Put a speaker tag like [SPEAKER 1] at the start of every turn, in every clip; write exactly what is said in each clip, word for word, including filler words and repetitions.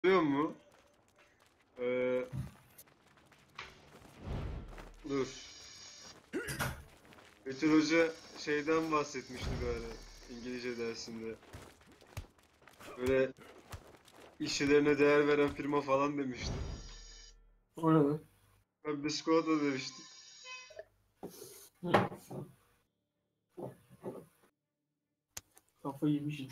[SPEAKER 1] Biliyor musun? Ee, dur. Betül Hoca şeyden bahsetmişti böyle İngilizce dersinde. Böyle işçilerine değer veren firma falan demişti.
[SPEAKER 2] O ne lan?
[SPEAKER 1] Ben Biskolata demiştim.
[SPEAKER 2] Kafayı yemişim.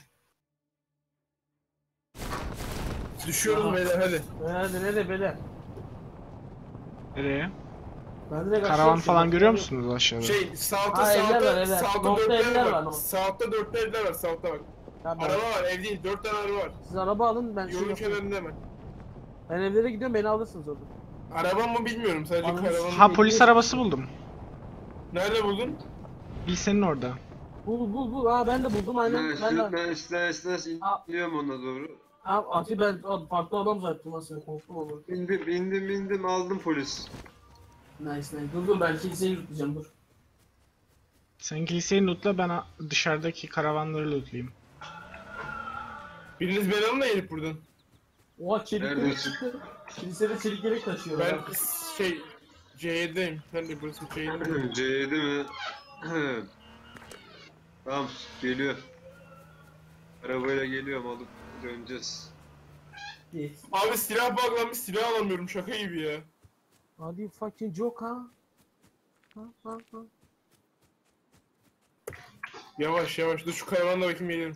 [SPEAKER 3] Düşüyoruz
[SPEAKER 2] Aha.
[SPEAKER 3] beyler hadi.
[SPEAKER 2] Nerede nerede beyler?
[SPEAKER 4] Nereye?
[SPEAKER 2] Ben direkt
[SPEAKER 4] Karavan
[SPEAKER 2] aşağı
[SPEAKER 4] falan
[SPEAKER 2] uçuyorum.
[SPEAKER 4] görüyor musunuz aşağıda?
[SPEAKER 3] Şey sağda
[SPEAKER 2] Ha, evler var,
[SPEAKER 3] sağda
[SPEAKER 2] evler.
[SPEAKER 3] sağda
[SPEAKER 2] Nokta
[SPEAKER 3] dörtler
[SPEAKER 2] evler
[SPEAKER 3] var.
[SPEAKER 2] var, nokta.
[SPEAKER 3] Sağda dörtler evler var sağda bak.
[SPEAKER 2] Ya ben-
[SPEAKER 3] Araba var ev değil dört tane araba var.
[SPEAKER 2] Siz araba alın ben şey
[SPEAKER 3] Yolun
[SPEAKER 2] yapayım.
[SPEAKER 3] kenarında hemen.
[SPEAKER 2] Ben evlere gidiyorum beni alırsınız orada.
[SPEAKER 3] Araba mı bilmiyorum sadece
[SPEAKER 2] Anam,
[SPEAKER 3] karavan.
[SPEAKER 4] Ha, polis arabası buldum.
[SPEAKER 3] Nerede buldun?
[SPEAKER 4] Lisenin orada.
[SPEAKER 2] Bul bul bul. Aa ben de buldum aynen.
[SPEAKER 1] Nice,
[SPEAKER 2] Ben de.
[SPEAKER 1] nice, nice, nice.
[SPEAKER 2] Aa.
[SPEAKER 1] İniyorum ona doğru.
[SPEAKER 2] Aa Ati ben aa, farklı adam zaten nasıl korktum ama.
[SPEAKER 1] Bindim, bindim, bindim, aldım polis.
[SPEAKER 2] Nice nice. Dur dur ben kiliseyi yürüteceğim dur.
[SPEAKER 4] Sen kiliseyi lootla, ben a- dışarıdaki karavanları lootlayayım.
[SPEAKER 3] Biriniz beni alın da gelip buradan.
[SPEAKER 2] Oha çelik yelek
[SPEAKER 1] Neredesin?
[SPEAKER 2] çıktı. Kilisede çelik yelek taşıyor.
[SPEAKER 3] Ben
[SPEAKER 2] ya.
[SPEAKER 3] şey C yedi'deyim. Ben de burası C yedi.
[SPEAKER 1] C yedi mi? Tamam, geliyor. Arabayla geliyorum, alıp döneceğiz.
[SPEAKER 2] Yes.
[SPEAKER 3] Abi silah bağlanmış silah alamıyorum şaka gibi ya.
[SPEAKER 2] Hadi fucking joke ha. Ha ha ha.
[SPEAKER 3] Yavaş yavaş dur şu karavanla bakayım geliyorum.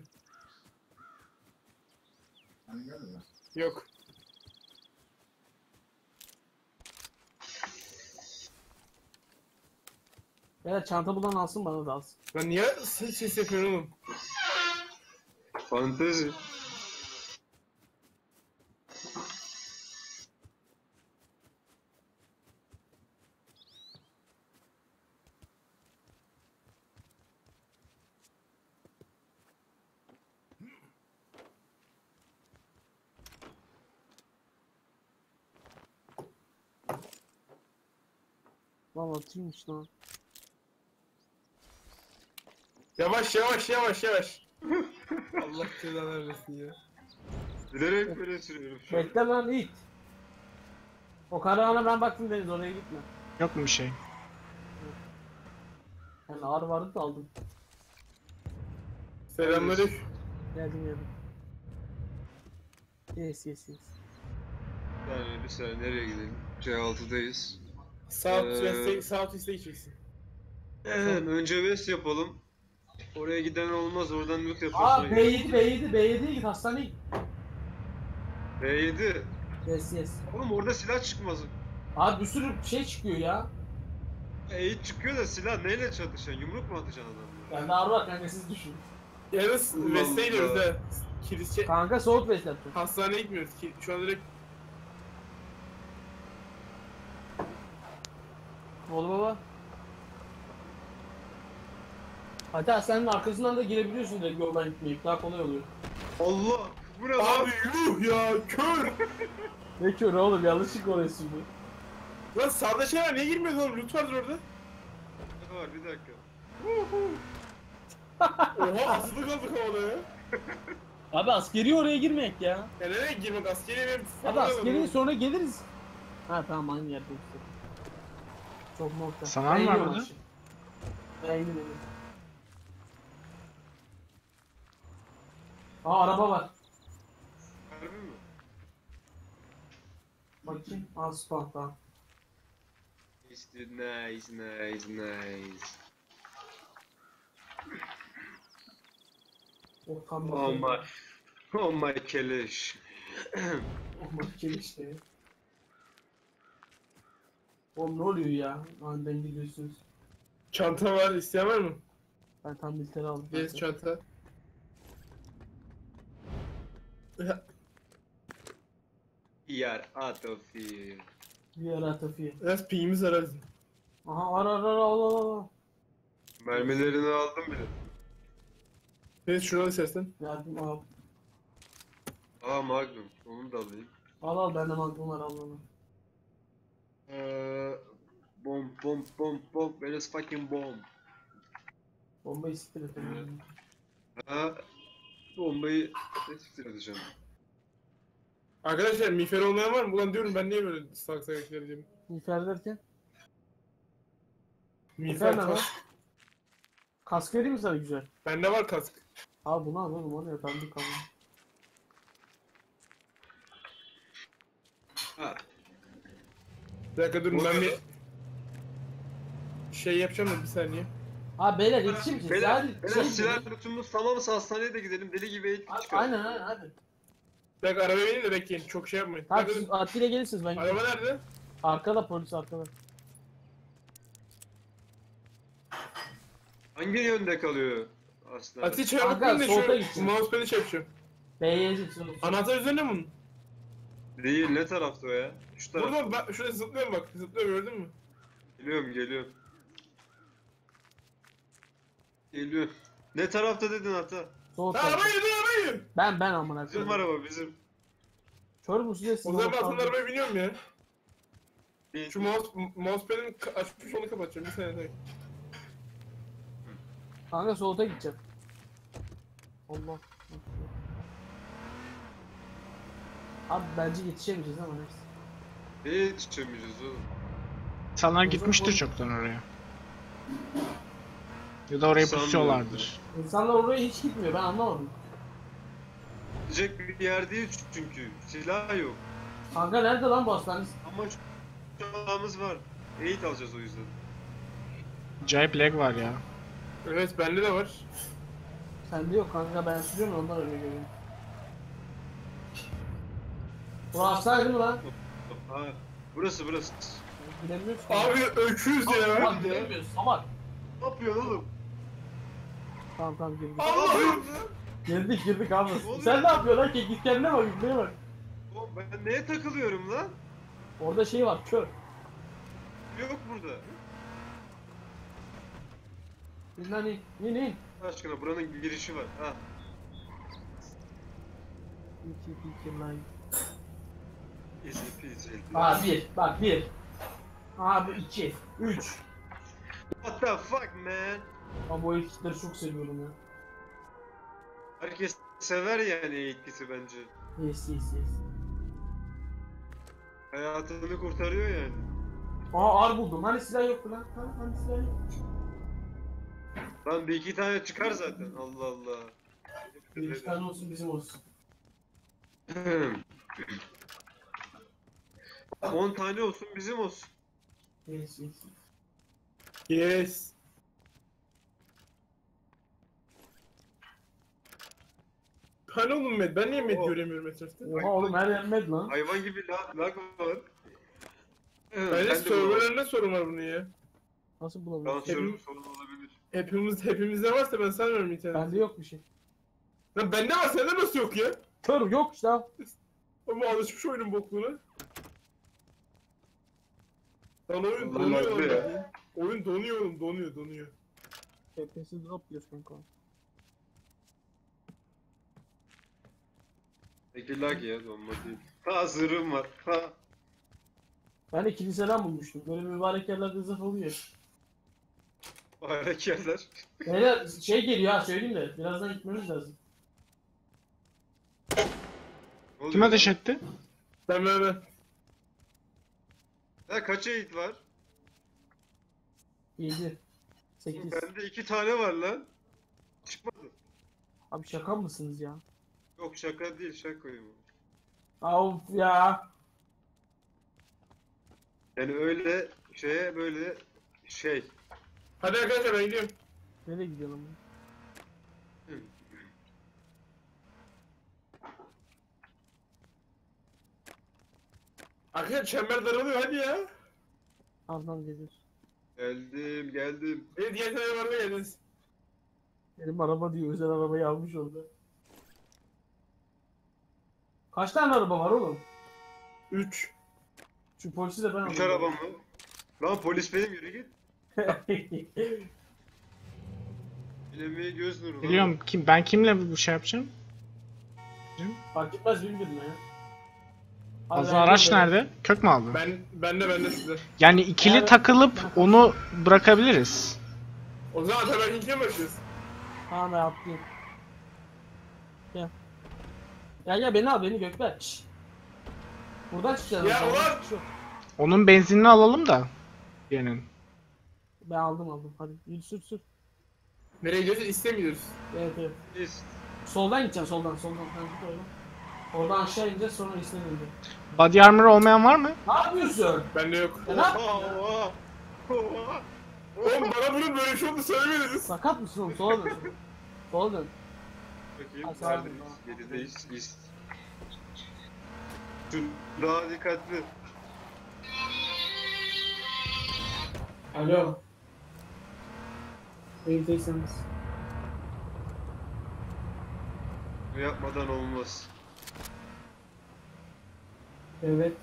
[SPEAKER 3] Yok.
[SPEAKER 2] Ya çanta bulan alsın bana da alsın.
[SPEAKER 3] Lan niye ses, ses yapıyorsun oğlum?
[SPEAKER 1] Fantezi.
[SPEAKER 2] Lan atıymış lan.
[SPEAKER 3] Yavaş yavaş yavaş yavaş. Allah cezanı versin ya.
[SPEAKER 1] Bilerek böyle sürüyorum şu an.
[SPEAKER 2] Bekle lan it. O karavana ben baktım Deniz oraya gitme.
[SPEAKER 4] Yok mu bir şey?
[SPEAKER 2] Yani ağır vardı da aldım.
[SPEAKER 3] Selamünaleyküm.
[SPEAKER 2] Geldim geldim. Yes yes yes.
[SPEAKER 1] Bir saniye, bir saniye, nereye gidelim? C altıdayız.
[SPEAKER 3] South
[SPEAKER 1] Ee,
[SPEAKER 3] West'e South East'e gideceksin.
[SPEAKER 1] Önce West yapalım. Oraya giden olmaz, oradan loot
[SPEAKER 2] Aa
[SPEAKER 1] yaparsın.
[SPEAKER 2] B yedi B yedi B yedi'ye git hastaneye git.
[SPEAKER 1] B yedi.
[SPEAKER 2] Yes yes.
[SPEAKER 1] Oğlum orada silah çıkmaz.
[SPEAKER 2] Abi bir sürü şey çıkıyor ya.
[SPEAKER 1] E çıkıyor da silah neyle çatışacaksın? Yumruk mu atacaksın adamlara?
[SPEAKER 2] Bende ağır var kanka siz düşünün.
[SPEAKER 3] Yalnız
[SPEAKER 1] Allah
[SPEAKER 3] West'e gidiyoruz
[SPEAKER 1] Allah.
[SPEAKER 3] ha. Kilise
[SPEAKER 2] Kanka soğuk beş yaptı.
[SPEAKER 3] hastaneye gitmiyoruz ki. Şu an direkt
[SPEAKER 2] Oğlum baba. Hatta senin arkasından da girebiliyorsun direkt yoldan gitmeyip daha kolay oluyor.
[SPEAKER 1] Allah! Bu ne lan?
[SPEAKER 3] abi yuh ya kör.
[SPEAKER 2] Ne kör oğlum yanlışlık orası bu.
[SPEAKER 3] Lan sağda şey var niye girmiyorsun oğlum? Loot vardır orada.
[SPEAKER 1] Ne var, bir dakika.
[SPEAKER 3] Oha asılı kaldık havada ya.
[SPEAKER 2] Abi askeri oraya girmeyek ya.
[SPEAKER 3] Ya nereye girmek askeriye benim
[SPEAKER 2] Abi askeri sonra geliriz. Ha tamam aynı yerde işte. Çok nokta.
[SPEAKER 4] Saman
[SPEAKER 2] Ben
[SPEAKER 4] var
[SPEAKER 2] iniyorum
[SPEAKER 4] burada.
[SPEAKER 2] aşağı. Ben iniyorum. Aa araba var.
[SPEAKER 1] Harbi mi?
[SPEAKER 2] Bakayım. Aa Sparta.
[SPEAKER 1] Nice, nice, nice, nice.
[SPEAKER 2] Oh tam
[SPEAKER 1] Oh my, oh my keleş.
[SPEAKER 2] Oh my işte. Oğlum ne oluyor ya? Aniden gidiyorsunuz.
[SPEAKER 3] Çanta var isteyen var mı?
[SPEAKER 2] Ben tam militeri aldım.
[SPEAKER 3] Yes çanta.
[SPEAKER 1] Yar out of here.
[SPEAKER 2] Bir ara tafiye.
[SPEAKER 3] Biraz pingimiz var hadi.
[SPEAKER 2] Aha ara ara ara al al al.
[SPEAKER 1] Mermilerini aldım bile.
[SPEAKER 3] Evet şuradan istersen.
[SPEAKER 2] Yardım al.
[SPEAKER 1] Aa Magnum, onu da alayım.
[SPEAKER 2] Al al bende magnum var al onu.
[SPEAKER 1] Eee... Bomb, bomb, bomb, bomb, where is fucking bomb?
[SPEAKER 2] Bombayı siktir et. onu.
[SPEAKER 1] Ha, bombayı tetikte edeceğim.
[SPEAKER 3] Arkadaşlar miğfer olmayan var mı? Ulan diyorum ben niye böyle salak salak vereceğim?
[SPEAKER 2] Miğfer derken.
[SPEAKER 3] Miğfer
[SPEAKER 2] ne lan?
[SPEAKER 3] kask.
[SPEAKER 2] Kask vereyim mi sana güzel?
[SPEAKER 3] Bende var kask.
[SPEAKER 2] Al bunu al oğlum, o ne tanıdık ama.
[SPEAKER 1] Ha.
[SPEAKER 3] Bir dakika durun ben bir şey yapacağım da bir saniye.
[SPEAKER 2] Ha beyler yetişir misiniz?
[SPEAKER 1] Beyler,
[SPEAKER 2] Hadi
[SPEAKER 1] beyler
[SPEAKER 2] şey
[SPEAKER 1] silah
[SPEAKER 2] gidelim.
[SPEAKER 1] lootumuz tamamsa hastaneye de gidelim. Deli gibi eğitim
[SPEAKER 2] Hadi,
[SPEAKER 1] çıkar.
[SPEAKER 2] aynen aynen hadi.
[SPEAKER 3] Bir dakika arabaya binin de bekleyin. Çok şey yapmayın. Bir
[SPEAKER 2] Tamam
[SPEAKER 3] dakika
[SPEAKER 2] siz
[SPEAKER 3] durun.
[SPEAKER 2] Atilla gelirsiniz ben.
[SPEAKER 3] Araba nerede?
[SPEAKER 2] Arkada polis arkada.
[SPEAKER 1] Hangi yönde kalıyor aslında?
[SPEAKER 3] Ati çabuk
[SPEAKER 2] Kanka,
[SPEAKER 3] bin de
[SPEAKER 2] solda
[SPEAKER 3] şu
[SPEAKER 2] gitsin.
[SPEAKER 3] mousepad'i şey yapacağım.
[SPEAKER 2] B'ye gideceksiniz.
[SPEAKER 3] Anahtar üzerinde mi bunun?
[SPEAKER 1] Değil, ne tarafta o ya? Şu tarafta.
[SPEAKER 3] Burada bak şurada zıplıyorum bak. Zıplıyorum gördün mü?
[SPEAKER 1] Geliyorum, geliyorum. Geliyor. Ne tarafta dedin hata?
[SPEAKER 2] Sol
[SPEAKER 3] Ha
[SPEAKER 2] tarafta.
[SPEAKER 3] arabayı dur arabayı.
[SPEAKER 2] Ben ben amına
[SPEAKER 1] Bizim
[SPEAKER 2] koyayım.
[SPEAKER 1] araba bizim.
[SPEAKER 2] Kör müsün
[SPEAKER 3] O zaman ben aslında arabaya biniyorum ya.
[SPEAKER 1] Değil.
[SPEAKER 3] Şu mouse, mousepad'in ka- açmış onu kapatacağım. Bir saniye tek.
[SPEAKER 2] Kanka solda gideceğim. Allah. Abi bence yetişemeyeceğiz ama neyse.
[SPEAKER 1] Neye yetişemeyeceğiz oğlum?
[SPEAKER 4] İnsanlar
[SPEAKER 2] O
[SPEAKER 4] gitmiştir
[SPEAKER 2] zaman-
[SPEAKER 4] çoktan oraya. Ya da oraya
[SPEAKER 1] Sanmıyorum.
[SPEAKER 4] pusuyorlardır.
[SPEAKER 2] İnsanlar oraya hiç gitmiyor, ben anlamadım.
[SPEAKER 1] Gidecek bir yer değil çünkü. Silah yok.
[SPEAKER 2] Kanka nerede lan bu hastane?
[SPEAKER 1] Ama şu silahımız var. Eğit alacağız o yüzden.
[SPEAKER 4] Acayip lag var ya.
[SPEAKER 3] Evet bende de var.
[SPEAKER 2] Sende yok kanka, ben sürüyorum ondan öyle görüyorum. Bu hastane değil mi lan?
[SPEAKER 1] Ha, burası burası.
[SPEAKER 2] Bilemiyoruz ki.
[SPEAKER 3] Abi öküz ya.
[SPEAKER 2] Abi bilemiyoruz salak.
[SPEAKER 1] Ne yapıyorsun oğlum?
[SPEAKER 2] Tamam tamam girdik.
[SPEAKER 3] Allah'ım.
[SPEAKER 2] Girdik girdik abi.
[SPEAKER 1] oluyor?
[SPEAKER 2] Sen ne yapıyorsun lan ki? Git kendine bak, gitmeye bak.
[SPEAKER 1] Oğlum ben neye takılıyorum lan?
[SPEAKER 2] Orada şey var, kör.
[SPEAKER 1] Yok burada.
[SPEAKER 2] İn lan in, in in.
[SPEAKER 1] Allah aşkına buranın girişi var. Ha.
[SPEAKER 2] İki iki lan.
[SPEAKER 1] Easy peasy.
[SPEAKER 2] Aa bir, bak bir. Abi iki, üç.
[SPEAKER 1] What the fuck man?
[SPEAKER 2] Ama bu ekipleri çok seviyorum ya.
[SPEAKER 1] Herkes sever yani eğitkisi bence.
[SPEAKER 2] Yes yes yes.
[SPEAKER 1] Hayatını kurtarıyor yani.
[SPEAKER 2] Aa ar buldum. Hani silah yoktu lan? Hani, hani silah yok.
[SPEAKER 1] Lan bir iki tane çıkar zaten. Allah Allah.
[SPEAKER 2] Bir iki tane olsun bizim olsun.
[SPEAKER 1] On tane olsun bizim olsun.
[SPEAKER 2] Yes yes.
[SPEAKER 3] Yes. Hani oğlum med? Ben niye med
[SPEAKER 1] Oh.
[SPEAKER 3] göremiyorum etrafta?
[SPEAKER 2] Oha oğlum her yer med lan.
[SPEAKER 1] Hayvan gibi lag, lag var.
[SPEAKER 3] Bence
[SPEAKER 1] Ben de bulamadım.
[SPEAKER 3] serverlarında sorun var bunun ya.
[SPEAKER 2] Nasıl
[SPEAKER 1] Tamam
[SPEAKER 2] bulamıyorsun?
[SPEAKER 1] sorun, sorun olabilir.
[SPEAKER 3] Hepimiz hepimizde varsa ben sanmıyorum internet.
[SPEAKER 2] Bende yok bir şey.
[SPEAKER 3] Lan bende var sende nasıl yok ya?
[SPEAKER 2] Kör yok işte abi.
[SPEAKER 3] Ama alışmış oyunun bokluğuna. Lan oyun
[SPEAKER 1] Allah
[SPEAKER 3] donuyor
[SPEAKER 1] Allah
[SPEAKER 3] lan.
[SPEAKER 1] ya.
[SPEAKER 3] Oyun donuyor oğlum donuyor donuyor.
[SPEAKER 2] F P S drop yiyoruz kanka.
[SPEAKER 1] Peki lag ya donma değil. Ha zırhım var. Ha.
[SPEAKER 2] Ben de kiliseden bulmuştum. Böyle mübarek yerlerde zırh oluyor.
[SPEAKER 1] Bayrak yerler.
[SPEAKER 2] Beyler şey geliyor ha, söyleyeyim de birazdan gitmemiz lazım.
[SPEAKER 1] Ne oluyor
[SPEAKER 4] Kim
[SPEAKER 1] lan?
[SPEAKER 4] ateş etti?
[SPEAKER 3] Ben ben ben.
[SPEAKER 1] Ha kaç eğit var?
[SPEAKER 2] yedi. sekiz.
[SPEAKER 1] Bende iki tane var lan. Çıkmadı.
[SPEAKER 2] Abi şaka mısınız ya?
[SPEAKER 1] Yok şaka değil şakayım.
[SPEAKER 2] Of ya.
[SPEAKER 1] Yani öyle şeye böyle şey.
[SPEAKER 3] Hadi arkadaşlar ben gidiyorum.
[SPEAKER 2] Nereye gidiyorsun ama?
[SPEAKER 3] Arkadaşlar çember daralıyor hadi ya.
[SPEAKER 2] Ardından geliyoruz.
[SPEAKER 1] Geldim geldim.
[SPEAKER 3] Evet diğer tane var mı geldiniz?
[SPEAKER 2] Benim araba diyor, özel arabayı almış orada. Kaç tane araba var oğlum?
[SPEAKER 3] üç.
[SPEAKER 2] Şu polisi de ben
[SPEAKER 1] Üç
[SPEAKER 2] alayım.
[SPEAKER 1] arabam mı? Lan polis benim yürü git. Bilemeğe göz nuru. lan.
[SPEAKER 4] Biliyorum kim ben kimle bu şey yapacağım?
[SPEAKER 2] Fark etmez bilmiyorum ya. Abi
[SPEAKER 4] Fazla
[SPEAKER 2] ben
[SPEAKER 4] araç
[SPEAKER 2] gidiyorum.
[SPEAKER 4] nerede? Kök mü aldın?
[SPEAKER 3] Ben bende bende sizde.
[SPEAKER 4] Yani ikili
[SPEAKER 2] Evet.
[SPEAKER 4] takılıp onu bırakabiliriz.
[SPEAKER 3] O zaman Ataberk'inkiye mi başlıyoruz?
[SPEAKER 2] Tamam ben atlayayım. Gel. Gel gel beni al, beni Gökber. Şşş. Buradan çıkacağız.
[SPEAKER 3] Ya
[SPEAKER 2] Buradan
[SPEAKER 3] ulan!
[SPEAKER 2] çıkış yok.
[SPEAKER 4] Onun benzinini alalım da. Yerinin.
[SPEAKER 2] Ben aldım aldım. Hadi yürü sür sür.
[SPEAKER 3] Nereye gidiyoruz? İstemiyoruz.
[SPEAKER 2] Evet evet.
[SPEAKER 1] Biz.
[SPEAKER 2] Soldan gideceksin soldan soldan. Sen git oradan. Oradan aşağı ineceğiz sonra İslam'a ineceğiz.
[SPEAKER 4] Body armor olmayan var mı?
[SPEAKER 2] Ne yapıyorsun?
[SPEAKER 3] Bende yok.
[SPEAKER 2] Ya ne
[SPEAKER 1] Oha
[SPEAKER 2] yapıyorsun?
[SPEAKER 1] oha. Oha.
[SPEAKER 3] Oğlum bana bunun böyle bir şey olduğunu söylemediniz.
[SPEAKER 2] Sakat mısın oğlum? Sola dön. Sola dön.
[SPEAKER 1] Bakayım.
[SPEAKER 2] Ha, sağ olun.
[SPEAKER 1] Neredeyiz? Yedideyiz. İst. Şu daha dikkatli.
[SPEAKER 2] Alo. Evdeyseniz.
[SPEAKER 1] Bu yapmadan olmaz.
[SPEAKER 2] Evet.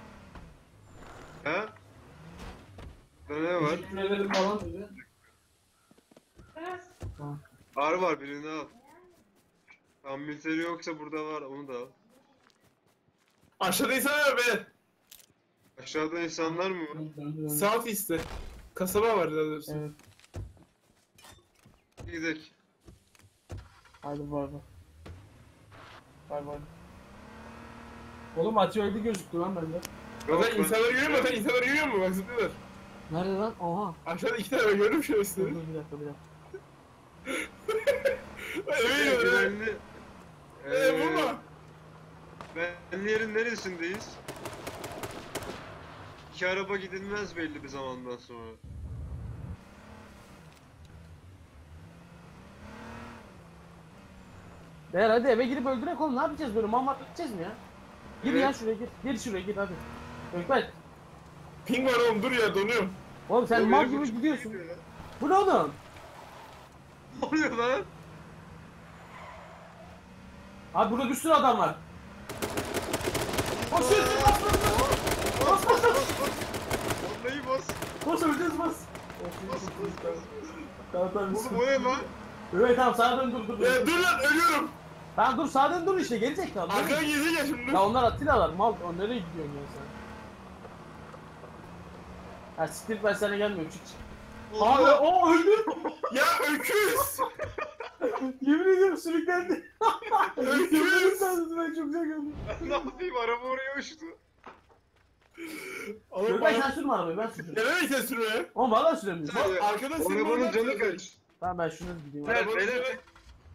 [SPEAKER 1] Ha? Burada ne var?
[SPEAKER 2] Teşekkür ederim falan dedi. Tamam.
[SPEAKER 1] Ar var, birini al. Ambülteri yoksa burada var, onu da al.
[SPEAKER 3] Aşağıda insan var be.
[SPEAKER 1] Aşağıda insanlar mı var?
[SPEAKER 2] Döndü, döndü, döndü.
[SPEAKER 3] Southeast'te. Kasaba var daha doğrusu.
[SPEAKER 2] Evet.
[SPEAKER 1] Gidelim.
[SPEAKER 2] Hadi bay bay. Bay bay. Oğlum Atio'ydu gözüktü lan bende.
[SPEAKER 1] Yok,
[SPEAKER 3] Zaten
[SPEAKER 1] ben-
[SPEAKER 3] insanları görüyor musun? Zaten insanları görüyor musun? Bak zıplıyorlar.
[SPEAKER 2] Nerede lan? Oha.
[SPEAKER 3] Aşağıda iki tane ben gördüm şu
[SPEAKER 2] Dur
[SPEAKER 3] üstüne.
[SPEAKER 2] dur bir dakika bir dakika.
[SPEAKER 3] Eve
[SPEAKER 1] Ee,
[SPEAKER 3] gidiyorlar. eve.
[SPEAKER 1] güvenli.
[SPEAKER 3] Eee vurma.
[SPEAKER 1] Ben yerin neresindeyiz? İki araba gidilmez belli bir zamandan sonra.
[SPEAKER 2] Beyler hadi eve girip öldürek oğlum ne yapacağız böyle mammat gideceğiz mi ya? Gir
[SPEAKER 1] Evet.
[SPEAKER 2] ya şuraya gir. Gir şuraya gir hadi. Ökbet.
[SPEAKER 3] Ping var oğlum dur ya donuyorum.
[SPEAKER 2] Oğlum sen
[SPEAKER 1] Oğlum,
[SPEAKER 2] mal
[SPEAKER 1] benim
[SPEAKER 2] gibi
[SPEAKER 1] uçum
[SPEAKER 2] gidiyorsun.
[SPEAKER 1] gidiyor ya.
[SPEAKER 2] Bu ne oğlum?
[SPEAKER 1] Ne oluyor lan?
[SPEAKER 2] Abi burada bir sürü adam var. Koş koş koş bas bas bas. Bas bas bas.
[SPEAKER 1] Vallahi bas.
[SPEAKER 2] Koş öleceğiz bas.
[SPEAKER 1] Bas bas.
[SPEAKER 2] Tamam tamam.
[SPEAKER 1] Oğlum o ne lan?
[SPEAKER 2] Evet tamam sağa dön dur dur dur.
[SPEAKER 3] Ya dur lan ölüyorum.
[SPEAKER 2] Tamam dur sağa dön dur işte gelecek tamam.
[SPEAKER 3] Arkadan gezecek ya şimdi.
[SPEAKER 2] Ya onlar Atilla'lar mal o nereye gidiyorsun ya sen? Ha siktir ben sana gelmiyorum çık çık. Abi
[SPEAKER 1] Allah.
[SPEAKER 2] o öldü.
[SPEAKER 3] Ya öküz.
[SPEAKER 2] Yemin ediyorum sürüklendi.
[SPEAKER 3] Öküz.
[SPEAKER 2] Yemin sandım ben çok güzel gördüm.
[SPEAKER 1] Ben ne yapayım, araba oraya uçtu.
[SPEAKER 3] Oğlum
[SPEAKER 2] Yok ben sen
[SPEAKER 3] bana...
[SPEAKER 2] sürme arabayı ben süreceğim.
[SPEAKER 3] Ya ne sen sürme?
[SPEAKER 2] Oğlum valla süremiyorum.
[SPEAKER 1] Sen-
[SPEAKER 3] Arkada senin
[SPEAKER 1] Arabanın
[SPEAKER 3] oradan
[SPEAKER 1] canı
[SPEAKER 3] sürüyor.
[SPEAKER 1] kaç?
[SPEAKER 2] Tamam ben şunu gideyim.
[SPEAKER 1] Evet,
[SPEAKER 3] Arabanın
[SPEAKER 1] beyler,
[SPEAKER 3] canı-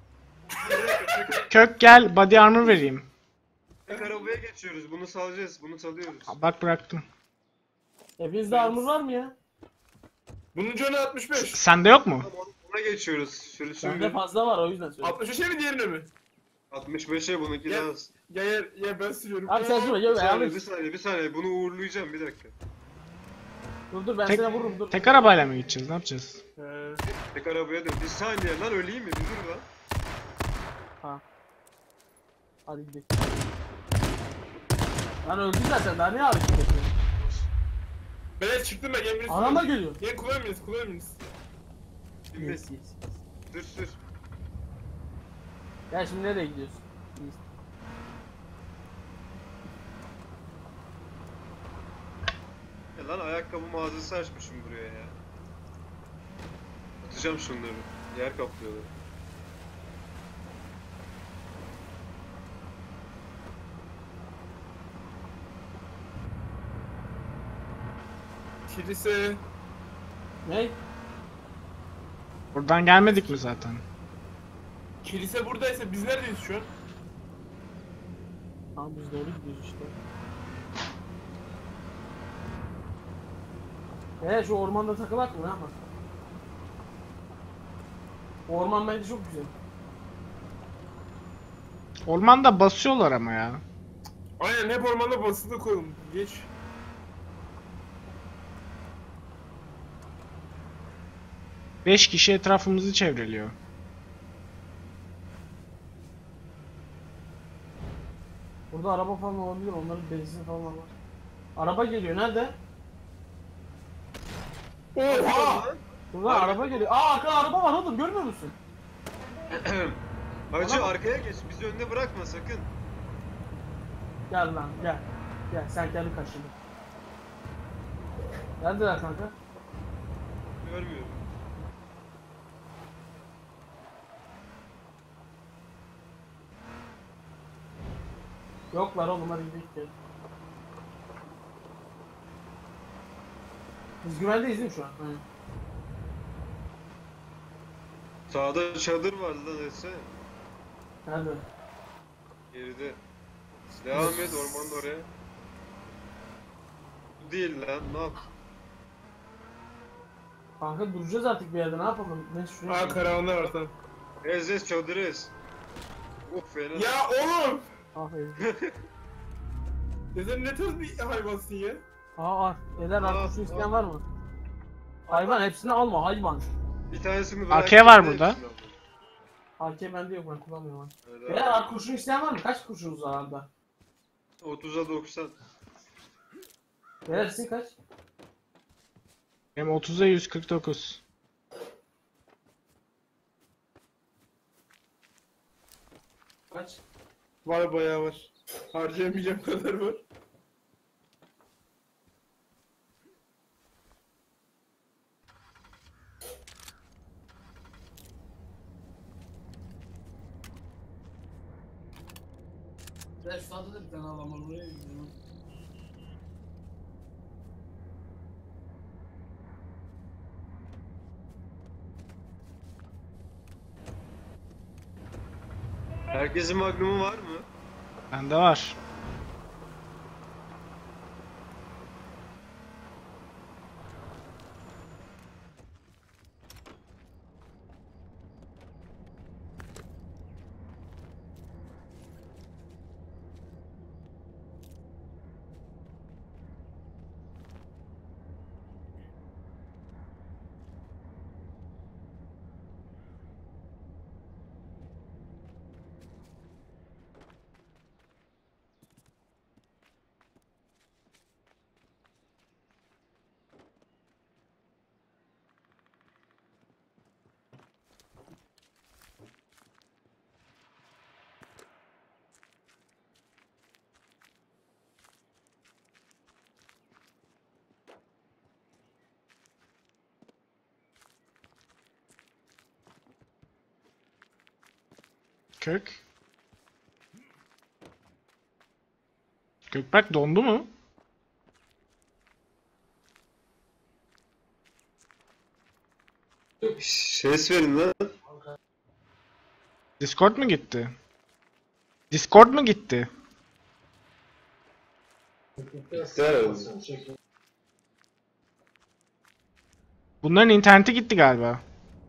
[SPEAKER 4] Kök gel body armor vereyim.
[SPEAKER 1] tek arabaya geçiyoruz. Bunu salacağız. Bunu salıyoruz.
[SPEAKER 4] Bak bıraktım.
[SPEAKER 2] Hepinizde armor var mı ya?
[SPEAKER 3] Bunun canı altmış beş.
[SPEAKER 4] Sende yok mu?
[SPEAKER 1] Tamam, ona geçiyoruz. Sürü
[SPEAKER 2] Bende
[SPEAKER 1] sürü.
[SPEAKER 2] fazla var o yüzden söylüyorum.
[SPEAKER 3] altmış beşe mi diğerine mi?
[SPEAKER 1] altmış beşe bununki
[SPEAKER 3] Ya-
[SPEAKER 1] daha az.
[SPEAKER 3] Ya ya, ya ben sürüyorum.
[SPEAKER 2] Abi sen sürme
[SPEAKER 1] Bir
[SPEAKER 2] gel
[SPEAKER 1] saniye,
[SPEAKER 2] ayarlayın.
[SPEAKER 1] bir saniye, bir saniye. Bunu uğurlayacağım, bir dakika.
[SPEAKER 2] Dur dur ben
[SPEAKER 4] Tek-
[SPEAKER 2] sana vururum dur.
[SPEAKER 4] Tek arabayla mı gideceğiz? Ne yapacağız?
[SPEAKER 3] He.
[SPEAKER 1] Tek arabaya dön. Bir saniye lan, öleyim mi? Bir dur lan.
[SPEAKER 2] Ha. Hadi gidelim. Lan öldü zaten daha ne hareket ediyor?
[SPEAKER 3] Ben çıktım ben gelin birisi.
[SPEAKER 2] Arama geliyor.
[SPEAKER 3] Gelin kullanmayınız kullanmayınız.
[SPEAKER 1] Şimdi
[SPEAKER 2] Yes, yes.
[SPEAKER 1] sür sür.
[SPEAKER 2] Ya şimdi nereye gidiyorsun? Yes.
[SPEAKER 1] Ya lan ayakkabı mağazası açmışım buraya ya. Atacağım şunları. Yer kaplıyorlar.
[SPEAKER 3] Kilise.
[SPEAKER 2] Ne?
[SPEAKER 4] Buradan gelmedik mi zaten?
[SPEAKER 3] Kilise buradaysa biz neredeyiz şu an?
[SPEAKER 2] Tamam biz doğru gidiyoruz işte. Eee şu ormanda takılak mı ne yapalım? O orman bence çok güzel.
[SPEAKER 4] Ormanda basıyorlar ama ya.
[SPEAKER 3] Aynen hep ormanda basılı koyalım. Geç.
[SPEAKER 4] Beş kişi etrafımızı çevreliyor.
[SPEAKER 2] Burada araba falan olabilir onların benzin falan var. Araba geliyor nerede?
[SPEAKER 3] Oha!
[SPEAKER 2] Burada araba geliyor. Aa arkada araba var oğlum görmüyor musun?
[SPEAKER 1] Hacı
[SPEAKER 2] Bana bak.
[SPEAKER 1] arkaya geç. Bizi önde bırakma sakın.
[SPEAKER 2] Gel lan gel. Gel sen kendi kaçırdın. Neredeler kanka?
[SPEAKER 1] Görmüyorum.
[SPEAKER 2] Yoklar oğlum hadi gidelim. Gel. Biz güvendeyiz değil mi şu an? Aynen.
[SPEAKER 1] Sağda çadır vardı lan etsene.
[SPEAKER 2] Nerede?
[SPEAKER 1] Geride. Devam et ormanın oraya. Bu değil lan, ne yap?
[SPEAKER 2] Kanka duracağız artık bir yerde, ne yapalım? Ne şuraya?
[SPEAKER 3] Aa karavanlar var tamam.
[SPEAKER 1] Ez ez çadır ez. Uf fena.
[SPEAKER 3] Ya oğlum!
[SPEAKER 2] Aferin.
[SPEAKER 3] Sen ne tarz bir hayvansın ya?
[SPEAKER 2] Aa var. Eder
[SPEAKER 1] Aa,
[SPEAKER 2] arkadaşın
[SPEAKER 1] aa.
[SPEAKER 2] isteyen var mı? Hayvan hepsini alma hayvan.
[SPEAKER 1] Bir tanesini
[SPEAKER 4] A
[SPEAKER 1] bırak.
[SPEAKER 4] K var
[SPEAKER 1] bir de
[SPEAKER 4] burada.
[SPEAKER 1] hepsini al.
[SPEAKER 2] A K bende yok, ben kullanmıyorum.
[SPEAKER 1] Evet,
[SPEAKER 2] Eder
[SPEAKER 1] abi.
[SPEAKER 2] ar kurşun isteyen var mı? Kaç kurşunuz var arada?
[SPEAKER 1] otuza doksan.
[SPEAKER 2] Eder sizin kaç?
[SPEAKER 4] Benim otuza yüz kırk dokuz.
[SPEAKER 2] Kaç?
[SPEAKER 3] Var bayağı var. Harcayamayacağım kadar var.
[SPEAKER 2] Eder şu saatte de bir tane adam var, buraya gidiyorum.
[SPEAKER 1] Herkesin magnumu var mı?
[SPEAKER 4] Bende var. Kök. Gökberk dondu mu?
[SPEAKER 1] Ses verin lan.
[SPEAKER 4] Discord mu gitti? Discord mu gitti?
[SPEAKER 1] İster.
[SPEAKER 4] Bunların interneti gitti galiba.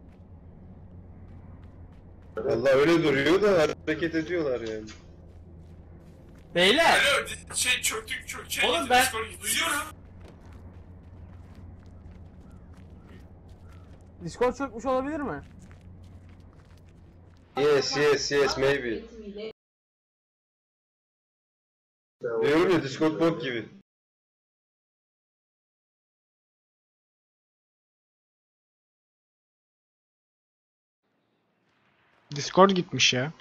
[SPEAKER 1] Vallahi öyle duruyor da hareket ediyorlar yani.
[SPEAKER 2] Beyler!
[SPEAKER 3] Alo şey çöktük çök şey
[SPEAKER 2] Oğlum ben-
[SPEAKER 3] duyuyorum.
[SPEAKER 2] Discord çökmüş olabilir mi?
[SPEAKER 1] Yes yes yes maybe. Diyorum ya Discord bot gibi.
[SPEAKER 4] Discord gitmiş ya.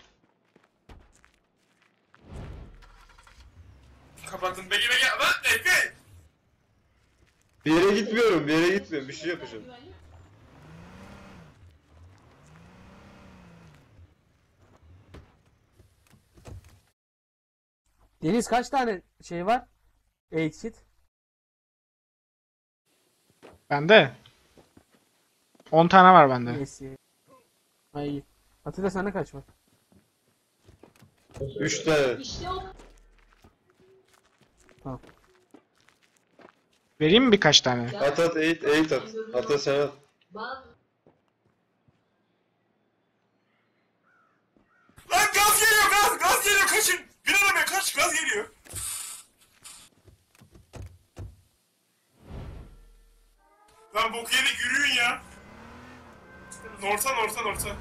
[SPEAKER 3] Kapattım bege bege lan Efe!
[SPEAKER 1] Bir yere gitmiyorum, bir yere gitmiyorum. Bir şey yapacağım.
[SPEAKER 2] Deniz kaç tane şey var? eight kit.
[SPEAKER 4] Bende. on tane var bende.
[SPEAKER 2] Neyse. Ay. Atilla sende kaç var?
[SPEAKER 1] Üç tane.
[SPEAKER 4] Vereyim mi birkaç tane?
[SPEAKER 1] At at eight eight at. At at sen at.
[SPEAKER 3] Lan gaz geliyor gaz gaz geliyor kaçın! Bir arabaya kaç gaz geliyor! Lan boku yedik yürüyün ya! Norta norta norta.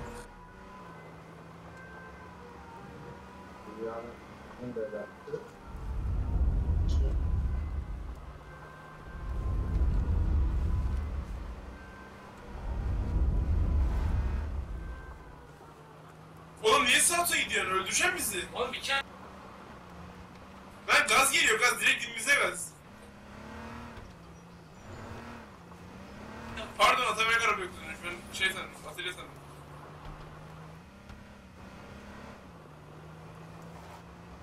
[SPEAKER 3] Oğlum niye sağa gidiyorsun? Öldürecek bizi. Oğlum bir kere... Lan gaz geliyor gaz direkt dibimize gaz. Pardon Atabey araba yoktu. Ben şey sandım, atölye sandım.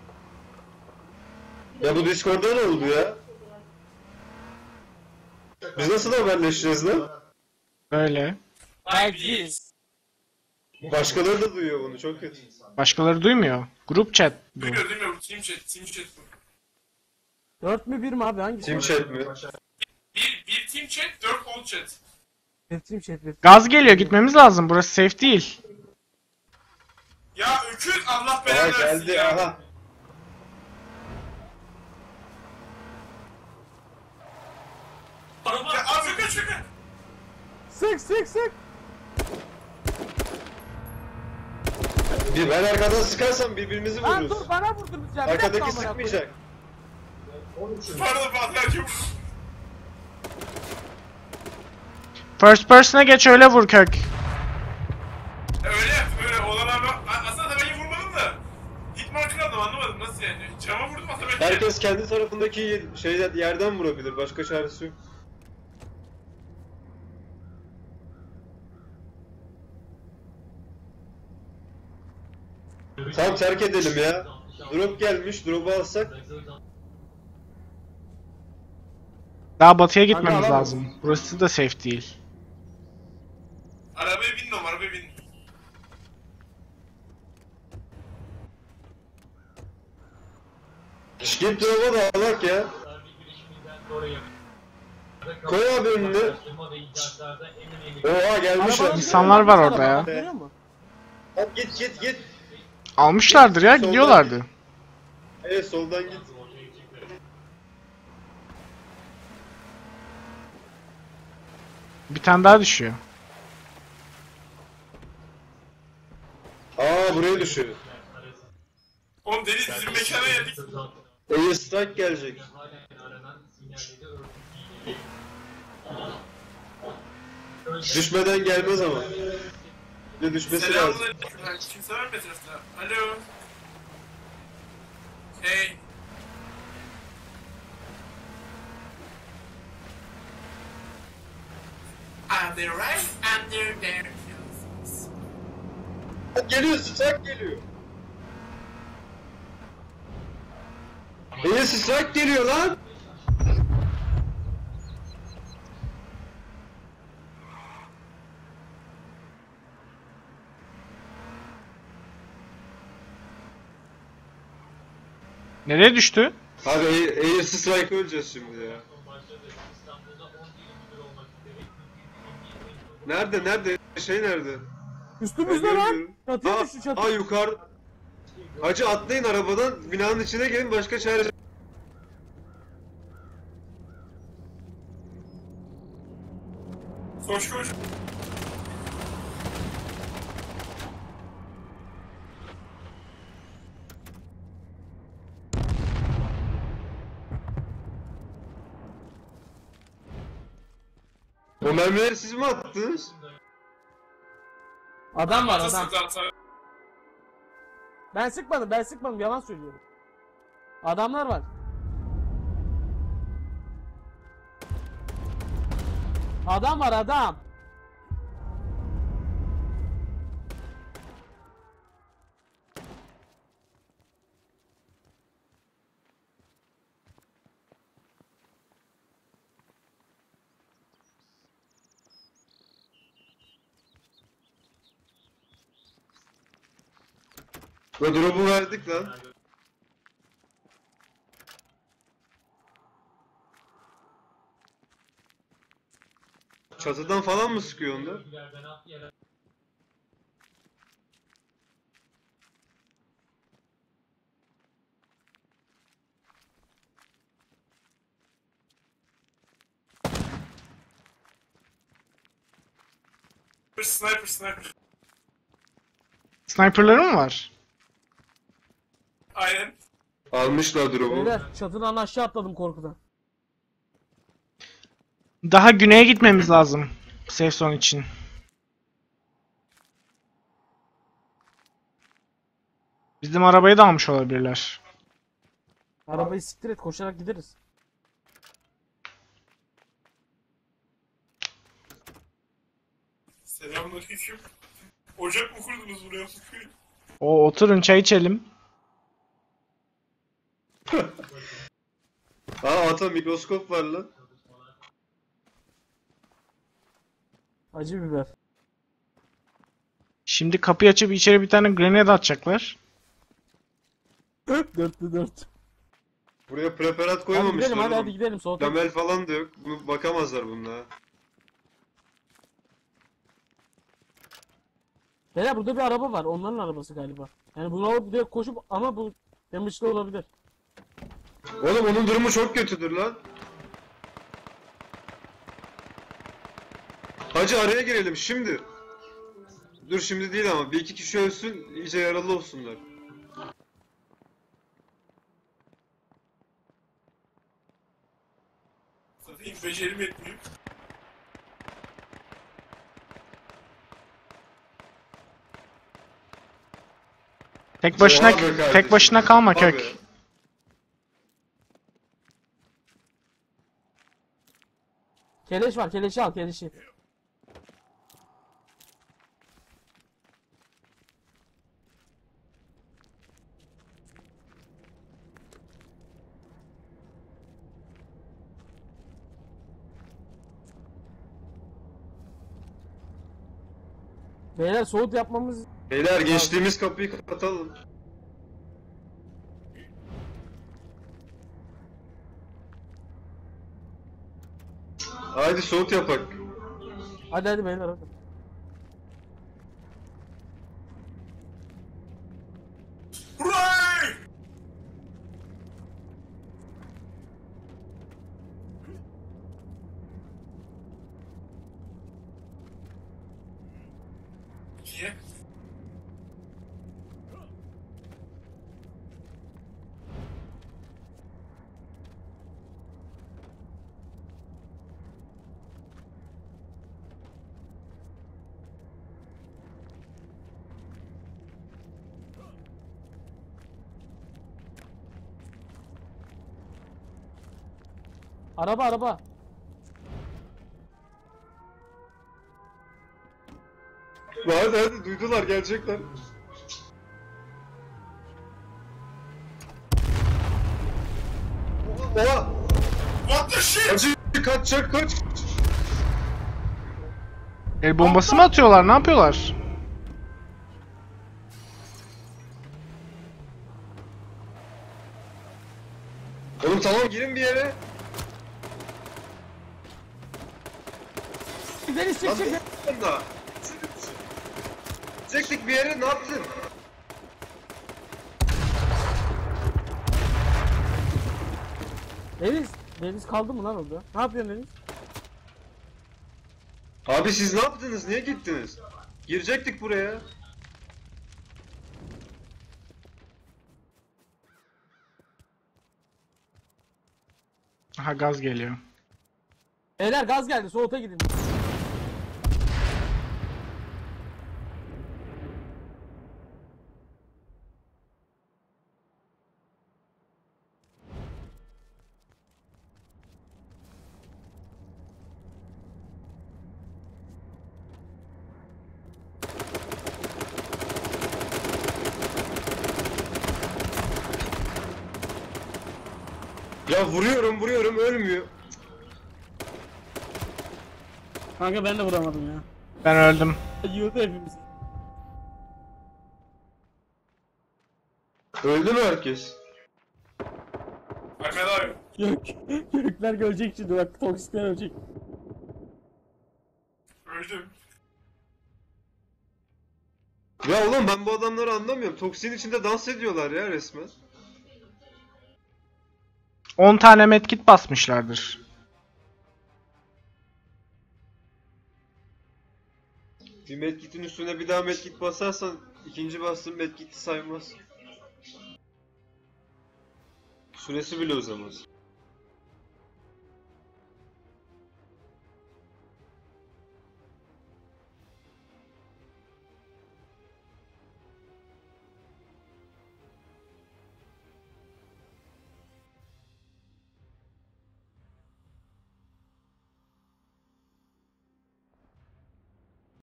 [SPEAKER 1] Ya bu Discord'da ne oldu ya? Biz nasıl haberleşeceğiz lan?
[SPEAKER 4] Böyle.
[SPEAKER 3] Belki.
[SPEAKER 1] Başkaları da duyuyor bunu, çok kötü.
[SPEAKER 4] Başkaları duymuyor. Grup chat bu.
[SPEAKER 3] Duymuyor duymuyor. Team chat. Team chat bu.
[SPEAKER 2] dört mü bir mi abi hangisi?
[SPEAKER 1] Team chat mi?
[SPEAKER 3] Bir, bir team chat, dört old chat.
[SPEAKER 2] Bir team chat bir.
[SPEAKER 4] Gaz geliyor, gitmemiz lazım. Burası safe değil.
[SPEAKER 3] Ya öküz Allah
[SPEAKER 1] Aha
[SPEAKER 3] belanı versin
[SPEAKER 1] geldi,
[SPEAKER 3] ya.
[SPEAKER 1] aha.
[SPEAKER 3] Ya abi şaka şaka.
[SPEAKER 2] Sık sık sık.
[SPEAKER 1] Bir ben arkadan sıkarsam birbirimizi
[SPEAKER 2] Lan
[SPEAKER 1] vururuz.
[SPEAKER 2] dur bana vurdunuz ya. Bir dakika
[SPEAKER 1] Arkadaki
[SPEAKER 2] amına koyayım.
[SPEAKER 1] sıkmayacak.
[SPEAKER 3] Pardon pardon çok.
[SPEAKER 4] First person'a geç, öyle vur Kök.
[SPEAKER 3] Öyle yaptım öyle olan abi. A- Aslında tabii vurmadım da. Hit markını aldım anlamadım nasıl yani. Cama vurdum aslında ben.
[SPEAKER 1] Herkes kendi tarafındaki şeyden yerden vurabilir. Başka çaresi yok. Tamam terk edelim ya. Drop gelmiş. Drop'u alsak.
[SPEAKER 4] Daha batıya gitmemiz
[SPEAKER 2] alamam.
[SPEAKER 4] lazım. Burası da safe değil.
[SPEAKER 3] Arabaya bindim arabaya bindim.
[SPEAKER 1] Şş, git drop'a da alak ya. Koy abi önüne. Oha gelmişler.
[SPEAKER 2] Arabanın
[SPEAKER 4] İnsanlar
[SPEAKER 2] görüyor
[SPEAKER 4] var
[SPEAKER 2] musun?
[SPEAKER 4] orada ya.
[SPEAKER 2] Arabanın görüyor musun?
[SPEAKER 1] Hadi git git git.
[SPEAKER 4] Almışlardır ya,
[SPEAKER 1] Soldan
[SPEAKER 4] gidiyorlardı.
[SPEAKER 1] Evet soldan git.
[SPEAKER 4] Bir tane daha düşüyor.
[SPEAKER 1] Aa buraya düşüyor.
[SPEAKER 3] Oğlum Deniz bizim mekana geldik.
[SPEAKER 1] Air strike gelecek. Düşmeden gelmez ama. Bir de düşmesi lazım.
[SPEAKER 3] Selamünaleyküm. Ha, kimse var mı etrafta? Alo. Hey. Are they right under their noses?
[SPEAKER 1] Geliyor, strike geliyor. Air strike geliyor lan.
[SPEAKER 4] Nereye düştü?
[SPEAKER 1] Abi Air, Air strike öleceğiz şimdi ya. Nerede nerede? Şey nerede? Ben
[SPEAKER 2] Üstümüzde lan.
[SPEAKER 1] görmüyorum.
[SPEAKER 2] Çatıya
[SPEAKER 1] Aa,
[SPEAKER 2] düştü çatı.
[SPEAKER 1] aa yukarı. Hacı atlayın arabadan, binanın içine gelin, başka çare.
[SPEAKER 3] Koş koş.
[SPEAKER 1] O mermileri siz mi attınız?
[SPEAKER 2] Adam var adam.
[SPEAKER 3] Atasın zaten.
[SPEAKER 2] Ben sıkmadım ben sıkmadım yalan söylüyorum. Adamlar var. Adam var adam.
[SPEAKER 1] O drop'u verdik lan. Çatıdan falan mı sıkıyor onlar?
[SPEAKER 3] Sniper sniper.
[SPEAKER 4] Sniper'ları mı var?
[SPEAKER 3] Aynen.
[SPEAKER 1] Almışlar drop'u.
[SPEAKER 2] Beyler çatıdan aşağı atladım korkudan.
[SPEAKER 4] Daha güneye gitmemiz lazım. Safe zone için. Bizim arabayı da almış olabilirler.
[SPEAKER 2] Arabayı siktir et koşarak gideriz.
[SPEAKER 3] Selamünaleyküm. Ocak mı kurdunuz buraya?
[SPEAKER 4] O oturun çay içelim.
[SPEAKER 1] Aa ata mikroskop var lan.
[SPEAKER 5] Acı biber.
[SPEAKER 4] Şimdi kapıyı açıp içeri bir tane grenade atacaklar.
[SPEAKER 5] Dörtlü dört.
[SPEAKER 1] Buraya preparat
[SPEAKER 5] Hadi
[SPEAKER 1] koymamışlar
[SPEAKER 5] gidelim hadi
[SPEAKER 1] oğlum.
[SPEAKER 5] hadi gidelim soğukta.
[SPEAKER 1] Lamel falan da yok. Bunu bakamazlar bununla.
[SPEAKER 5] Beyler burada bir araba var. Onların arabası galiba. Yani bunu alıp direkt koşup ama bu damage'lı olabilir.
[SPEAKER 1] Oğlum onun durumu çok kötüdür lan. Hacı araya girelim şimdi. Dur şimdi değil ama bir iki kişi ölsün iyice yaralı olsunlar.
[SPEAKER 3] Satayım becerim etmiyor.
[SPEAKER 4] Tek başına
[SPEAKER 1] Oha be kardeşim.
[SPEAKER 4] tek başına kalma
[SPEAKER 1] Abi.
[SPEAKER 4] Kök.
[SPEAKER 5] Keleş var. Keleşi al keleşi. Beyler soğut yapmamız...
[SPEAKER 1] Beyler geçtiğimiz kapıyı kapatalım. Haydi soğut yapak.
[SPEAKER 5] Hadi hadi beyler hadi.
[SPEAKER 3] Hurray! İkiye.
[SPEAKER 5] Araba araba.
[SPEAKER 1] Hadi hadi duydular gelecekler. Oha!
[SPEAKER 3] What the shit?
[SPEAKER 1] Hacı kaçacak kaç!
[SPEAKER 4] El bombası mı atıyorlar? Ne yapıyorlar?
[SPEAKER 1] Oğlum tamam girin bir yere.
[SPEAKER 5] Deniz çık
[SPEAKER 1] Lan
[SPEAKER 5] çık.
[SPEAKER 1] ne da? Çektik bir yere ne yaptın?
[SPEAKER 5] Deniz. Deniz kaldı mı lan orada? Ne yapıyorsun Deniz?
[SPEAKER 1] Abi siz ne yaptınız? Niye gittiniz? Girecektik buraya.
[SPEAKER 4] Aha gaz geliyor.
[SPEAKER 5] Beyler gaz geldi soğuta gidin.
[SPEAKER 1] Ya vuruyorum vuruyorum ölmüyor.
[SPEAKER 5] Kanka ben de vuramadım ya.
[SPEAKER 4] Ben öldüm.
[SPEAKER 5] Yiyordu hepimiz.
[SPEAKER 1] Öldü mü herkes?
[SPEAKER 3] Ahmet abi.
[SPEAKER 5] Gök. Gökler görecek şimdi bak toksikler ölecek.
[SPEAKER 3] Öldüm.
[SPEAKER 1] Ya oğlum ben bu adamları anlamıyorum. Toksin içinde dans ediyorlar ya resmen.
[SPEAKER 4] on tane medkit basmışlardır.
[SPEAKER 1] Bir medkitin üstüne bir daha medkit basarsan ikinci bastığın medkiti saymaz. Süresi bile uzamaz.